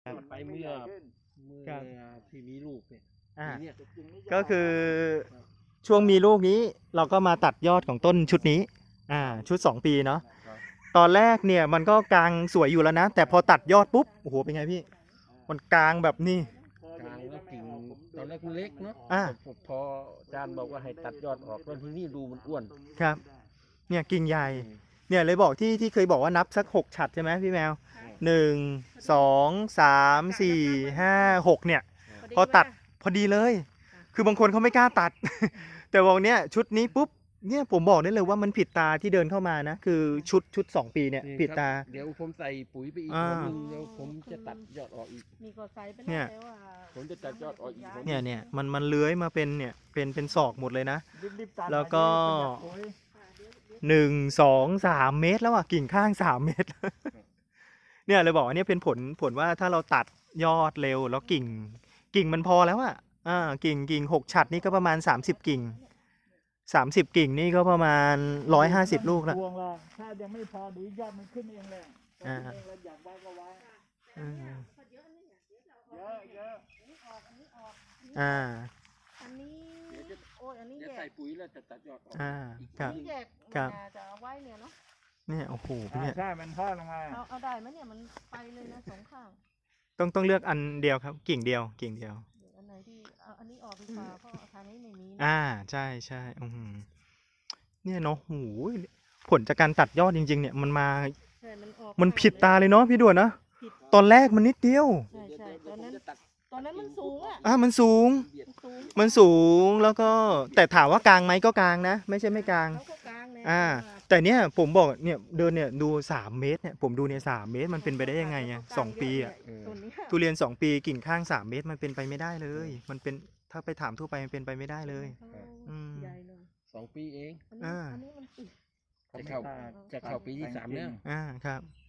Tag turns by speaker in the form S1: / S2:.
S1: ไปเมื่อ
S2: ครับ
S1: ที่มีลูกเนี่ย
S2: อ่า
S1: ปีเนี่ย
S2: ก็คือช่วงมีลูกนี้เราก็มาตัดยอดของต้นชุดนี้ชุด 2 ปีเนาะ
S1: ครับ
S2: ตอนแรกเนี่ยมันก็กลางสวยอยู่แล้วนะ แต่พอตัดยอดปุ๊บโอ้โหเป็นไงพี่มันกลางแบบนี้
S1: กลางแล้วกิ่งตอนแรกมันเล็กเนาะ
S2: อ่า
S1: พออาจารย์บอกว่าให้ตัดยอดออกแล้วทีนี้ดูมันอ้วน
S2: ครับเนี่ยกิ่งใหญ่เนี่ยเลยบอกที่เคยบอกว่านับสัก6 ฉัดใช่ไหมพี่แมว 1 2 3 4 5 6เนี่ยพอตัดพอดีเลย คือบางคนเขาไม่กล้าตัด แต่บอกเนี่ยชุดนี้ปุ๊บเนี่ยผมบอกได้เลยว่ามันผิดตาที่เดินเข้ามานะคือชุด 2 ปีเนี่ย
S1: นี่
S2: ผิด
S1: ครับ
S2: ตา
S1: เดี๋ยวผมใส่ปุ๋ยไปอีก
S2: อ่า
S1: หัวหนึงเดี๋ยวผมจะตัดยอดออกอีก
S3: นี่ก็ใส่ไป
S2: เนี่ย
S3: แล้วว่า
S1: ผมจะตัดยอดออกอีกหัวห
S2: เนี่ยมันเลื้อยมาเป็นเนี่ยเป็นศอกหมดเลยนะ แล้วก็ 1 2 3 เมตรแล้วอ่ะกิ่งข้าง3 เมตร เนี่ยเลยบอกว่าเนี่ยเป็นผลว่าถ้าเราตัดยอดเร็วแล้วกิ่งมันพอแล้วอ่ะกิ่ง6 ฉัดนี่ก็ประมาณ30 กิ่ง30 กิ่งนี่ก็ประมาณ150 ลูกแล้ว
S4: พวงละถ้ายังไม่พอเดี๋ยวยอดมันขึ้นเองเลยขึ้นเองแล้วอยากไว้ก็ไว้เยอะเยอะ
S3: อันนี้โอ้ยอันนี้
S1: เดี๋ยว
S3: แย
S1: ใส่
S3: ก
S1: ปุ๋ยแล้วจะตัดยอดออก อีก
S2: ครับ
S3: อันนี้แยก
S2: ครับ
S3: มันจะเอาไว้เนี่ยเนาะ
S2: เนี่ยโอ้โหเนี่ย
S4: ใช่มันทอดลงมา
S3: เอาได้ไหมเนี่ยมันไปเลยนะ2 ข้าง
S2: ต้องเลือกอันเดียวครับกิ่งเดียว
S3: เดี๋ยวอันไหนที่เอาอันนี้ออกดีกว่าเพราะอาคารนี้ไม่มีนะ
S2: ใช่เนี่ยเนาะโอ้โหผลจากการตัดยอดจริงๆเนี่ยมันมา
S3: ใช่มันออก
S2: มันผิดตาเลยเนาะพี่ด่วนนะ
S3: ผิด
S2: ตอนแรกมันนิดเดียว
S3: ใช่
S1: เดี๋ยว
S3: ตอนนั้น
S1: ผมจะตัด
S3: มันสูงอ่ะ
S2: มันสูง
S1: เบียด
S3: สูง
S2: มันสูงแล้วก็แต่ถามว่ากลางไหมก็กลางนะ ไม่ใช่ไม่กลาง
S3: เขาก็กลางเนี่ย
S2: แต่เนี่ยผมบอกเนี่ยเดินเนี่ยดู3 เมตรเนี่ยผมดูเนี่ย3 เมตรมันเป็นไปได้ยังไงอ่ะ2 ปีอ่ะ
S3: ต้นนี้
S2: ทุเรียน2 ปีกิ่งข้าง3 เมตรมันเป็นไปไม่ได้เลย มันเป็นถ้าไปถามทั่วไปมันเป็นไปไม่ได้เลย อืม
S3: ใหญ่เลย
S1: 2 ปีเอง
S3: อันนี้มันติด
S1: จะเข้าปีที่ 3 แล้ว
S2: ครับ